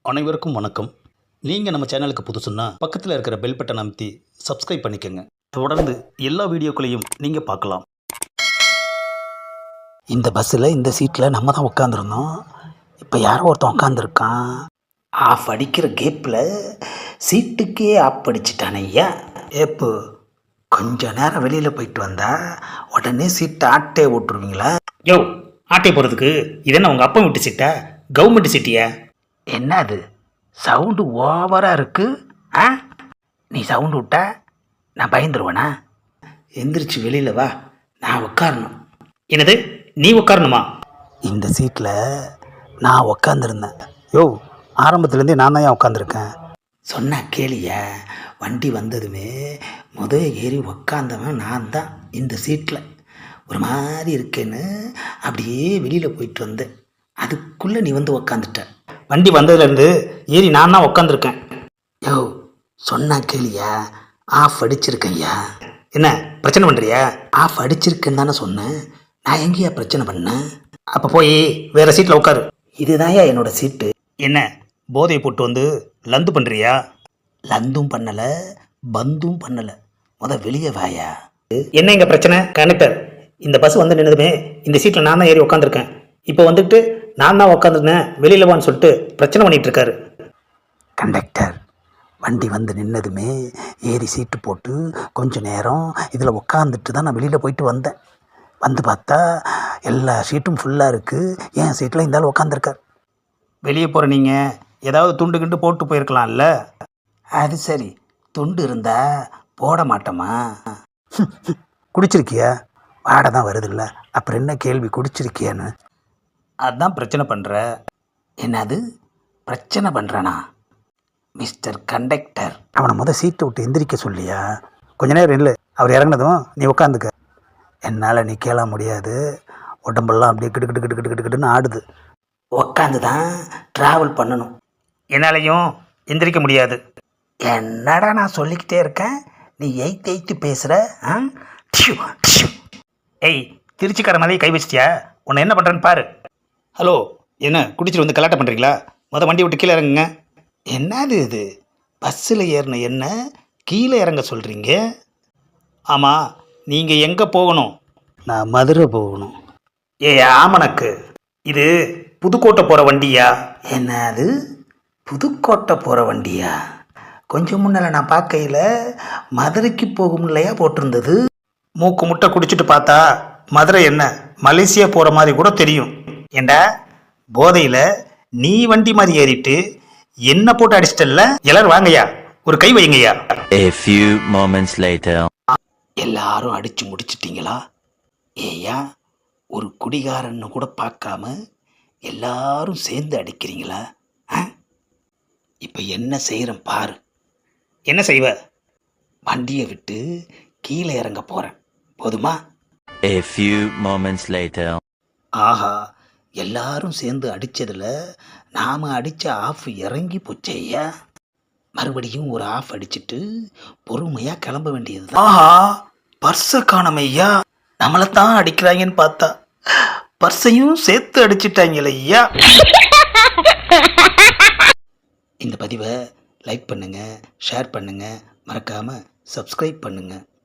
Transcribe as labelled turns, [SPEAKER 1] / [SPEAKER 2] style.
[SPEAKER 1] அனைவருக்கும் வணக்கம். நீங்கள் நம்ம சேனலுக்கு புதுசுன்னா பக்கத்தில் இருக்கிற பெல் பட்டன் அமைத்தி சப்ஸ்கிரைப் பண்ணிக்கோங்க. தொடர்ந்து எல்லா வீடியோக்களையும் நீங்கள் பார்க்கலாம்.
[SPEAKER 2] இந்த பஸ்ஸில் இந்த சீட்டில் நம்ம தான் உட்காந்துருந்தோம். இப்போ யாரோ ஒருத்தன் உட்காந்துருக்கான். ஆஃப் அடிக்கிற கேப்பில் சீட்டுக்கே ஆஃப் அடிச்சிட்டானே ஐயா. ஏப்பு கொஞ்ச நேரம் வெளியில் போயிட்டு வந்தா உடனே சீட்டை ஆட்டே ஓட்டுருவீங்களா?
[SPEAKER 3] யோ, ஆட்டை போகிறதுக்கு இது என்ன உங்கள் அப்பா விட்டு சீட்டா, கவர்மெண்ட் சீட்டியா?
[SPEAKER 2] என்ன அது சவுண்டு ஓவராக இருக்கு? ஆ, நீ சவுண்டு விட்டா நான் பயந்துருவேனா? எந்திரிச்சு வெளியில் வா, நான் உட்காரணும்.
[SPEAKER 3] என்னது, நீ உட்காரணுமா?
[SPEAKER 2] இந்த சீட்டில் நான் உக்காந்துருந்தேன். யோ, ஆரம்பத்துலேருந்தே நான் தான் ஏன் உட்காந்துருக்கேன். சொன்ன கேளியா, வண்டி வந்ததுமே ஏறி உக்காந்தவன் நான் தான். இந்த சீட்டில் ஒரு மாதிரி இருக்கேன்னு அப்படியே வெளியில் போயிட்டு வந்தேன். அதுக்குள்ளே நீ வந்து உக்காந்துட்ட.
[SPEAKER 3] வண்டி வந்ததுலேருந்து ஏறி நான் தான் உட்காந்துருக்கேன்.
[SPEAKER 2] யோ, சொன்னா கேளியா, ஆஃப் அடிச்சிருக்கையா.
[SPEAKER 3] என்ன பிரச்சனை பண்ணுறியா?
[SPEAKER 2] ஆஃப் அடிச்சிருக்கேன்னு தானே சொன்னேன். நான் எங்கேயா பிரச்சனை பண்ணேன்?
[SPEAKER 3] அப்போ போய் வேறு சீட்டில் உட்காரு.
[SPEAKER 2] இதுதான்யா என்னோட சீட்டு.
[SPEAKER 3] என்ன போதையை போட்டு வந்து லந்து பண்ணுறியா?
[SPEAKER 2] லந்தும் பண்ணலை, பந்தும் பண்ணலை. வெளியே வாயா.
[SPEAKER 3] என்ன இங்கே பிரச்சனை? கனெக்டர், இந்த பஸ் வந்து நின்னதுமே இந்த சீட்டில் நான் தான் ஏறி உட்காந்துருக்கேன். இப்போ வந்துட்டு நான் தான் உட்காந்துருந்தேன் வெளியில் வான்னு சொல்லிட்டு பிரச்சனை பண்ணிகிட்டு இருக்காரு.
[SPEAKER 2] கண்டக்டர், வண்டி வந்து நின்னதுமே ஏறி சீட்டு போட்டு கொஞ்சம் நேரம் இதில் உட்காந்துட்டு தான் நான் வெளியில் போயிட்டு வந்தேன். வந்து பார்த்தா எல்லா சீட்டும் ஃபுல்லாக இருக்குது. என் சீட்டில் இருந்தாலும் உட்காந்துருக்கார்.
[SPEAKER 3] வெளியே போகிற நீங்கள் ஏதாவது துண்டு கிண்டு போட்டு போயிருக்கலாம்ல?
[SPEAKER 2] அது சரி, துண்டு இருந்தா போட மாட்டோமா? குடிச்சிருக்கியா? வாடை தான் வருதில்ல, அப்புறம் என்ன கேள்வி குடிச்சிருக்கியான்னு?
[SPEAKER 3] அதுதான் பிரச்சனை பண்ணுற.
[SPEAKER 2] என்னது பிரச்சனை பண்ணுறனா? மிஸ்டர் கண்டக்டர், அவனை சீட்டை விட்டு எந்திரிக்க சொல்லியா? கொஞ்ச நேரம் இல்லை, அவர் இறங்கினதும் நீ உட்காந்துக்க. என்னால் நீ கேள முடியாது, உடம்பெல்லாம் அப்படியே கிடு கிடு கிடு கிடு கிடு கிடுன்னு ஆடுது. உட்காந்து தான் ட்ராவல் பண்ணணும்.
[SPEAKER 3] என்னாலையும் எந்திரிக்க முடியாது.
[SPEAKER 2] என்னடா நான் சொல்லிக்கிட்டே இருக்கேன், நீ எய்த்து பேசுகிற?
[SPEAKER 3] ஏய், திருச்சிக்கார மாதிரி கை வச்சிட்டியா? உன்னை என்ன பண்ணுறேன்னு பாரு. ஹலோ, என்ன குடிச்சிட்டு வந்து கலாட்டம் பண்ணுறீங்களா? வண்டி விட்டு கீழே இறங்குங்க.
[SPEAKER 2] என்னது இது, பஸ்ஸில் ஏறின என்ன கீழே இறங்க சொல்கிறீங்க?
[SPEAKER 3] ஆமாம், நீங்கள் எங்கே போகணும்?
[SPEAKER 2] நான் மதுரை போகணும்.
[SPEAKER 3] ஏ ஆமனக்கு, இது புதுக்கோட்டை போகிற வண்டியா?
[SPEAKER 2] என்னது புதுக்கோட்டை போகிற வண்டியா? கொஞ்சம் முன்னால் நான் பார்க்கையில் மதுரைக்கு போகும் இல்லையா போட்டிருந்தது.
[SPEAKER 3] மூக்கு முட்டை குடிச்சிட்டு பார்த்தா மதுரை என்ன மலேசியா போகிற மாதிரி கூட தெரியும். ஏண்டா, போதையில் நீ வண்டி மாதிரி ஏறிட்டு என்ன போட்டு அடிச்சிட்டல்ல? எல்லாரும் வாங்கய்யா, ஒரு கை வைங்கய்யா.
[SPEAKER 4] A few moments later.
[SPEAKER 2] எல்லாரும் அடிச்சு முடிச்சிட்டிங்களா? ஏயா, ஒரு குடிகாரன்னு கூட பார்க்காம எல்லாரும் சேர்ந்து அடிக்கிறீங்களா? இப்போ என்ன செய்கிறேன் பாரு.
[SPEAKER 3] என்ன செய்வ?
[SPEAKER 2] வண்டியை விட்டு கீழே இறங்க போகிறேன், போதுமா?
[SPEAKER 4] A few moments later.
[SPEAKER 2] ஆஹா, எல்லாரும் சேர்ந்து அடித்ததில் நாம் அடித்த ஆஃப் இறங்கி போச்சேயா. மறுபடியும் ஒரு ஆஃப் அடிச்சுட்டு பொறுமையாக கிளம்ப வேண்டியது.
[SPEAKER 3] ஆஹா, பர்ஸை காணமையா. நம்மளைத்தான் அடிக்கிறாங்கன்னு பார்த்தா பர்ஸையும் சேர்த்து அடிச்சிட்டாங்களே ஐயா.
[SPEAKER 2] இந்த பதிவை லைக் பண்ணுங்கள், ஷேர் பண்ணுங்கள், மறக்காமல் சப்ஸ்கிரைப் பண்ணுங்கள்.